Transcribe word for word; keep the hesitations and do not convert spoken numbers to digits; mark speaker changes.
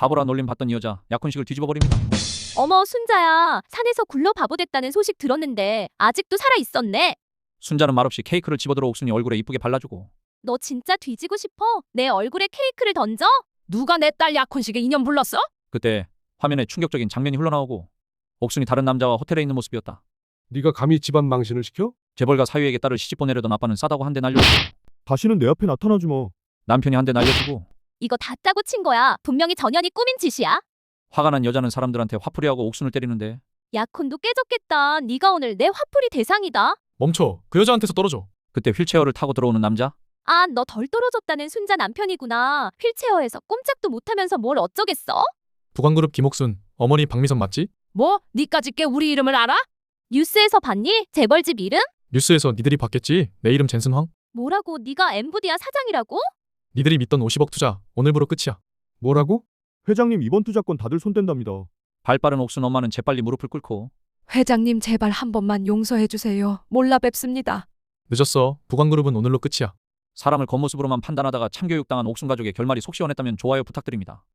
Speaker 1: 바보라 놀림 받던 이 여자 약혼식을 뒤집어 버립니다.
Speaker 2: 어머, 순자야. 산에서 굴러 바보 됐다는 소식 들었는데 아직도 살아 있었네.
Speaker 1: 순자는 말없이 케이크를 집어들어 옥순이 얼굴에 이쁘게 발라주고.
Speaker 2: 너 진짜 뒤지고 싶어? 내 얼굴에 케이크를 던져?
Speaker 3: 누가 내 딸 약혼식에 인연 불렀어?
Speaker 1: 그때 화면에 충격적인 장면이 흘러나오고 옥순이 다른 남자와 호텔에 있는 모습이었다.
Speaker 4: 네가 감히 집안 망신을 시켜?
Speaker 1: 재벌가 사위에게 딸을 시집 보내려던 아빠는 싸다고 한 대 날려주고
Speaker 4: 다시는 내 앞에 나타나지 마.
Speaker 1: 남편이 한 대 날려주고
Speaker 2: 이거 다 짜고 친 거야. 분명히 전현이 꾸민 짓이야.
Speaker 1: 화가 난 여자는 사람들한테 화풀이하고 옥순을 때리는데
Speaker 2: 약혼도 깨졌겠다. 네가 오늘 내 화풀이 대상이다.
Speaker 5: 멈춰. 그 여자한테서 떨어져.
Speaker 1: 그때 휠체어를 타고 들어오는 남자.
Speaker 2: 아, 너 덜 떨어졌다는 순자 남편이구나. 휠체어에서 꼼짝도 못하면서 뭘 어쩌겠어?
Speaker 5: 부관그룹 김옥순, 어머니 박미선 맞지?
Speaker 3: 뭐? 니까짓 게 우리 이름을 알아?
Speaker 2: 뉴스에서 봤니? 재벌집 이름?
Speaker 5: 뉴스에서 니들이 봤겠지? 내 이름 젠슨황?
Speaker 2: 뭐라고? 네가 엠부디아 사장이라고?
Speaker 5: 니들이 믿던 오십억 투자 오늘부로 끝이야.
Speaker 4: 뭐라고? 회장님 이번 투자권 다들 손댄답니다.
Speaker 1: 발 빠른 옥순 엄마는 재빨리 무릎을 꿇고
Speaker 3: 회장님 제발 한 번만 용서해 주세요. 몰라 뵙습니다.
Speaker 5: 늦었어. 부관그룹은 오늘로 끝이야.
Speaker 1: 사람을 겉모습으로만 판단하다가 참교육당한 옥순 가족의 결말이 속 시원했다면 좋아요 부탁드립니다.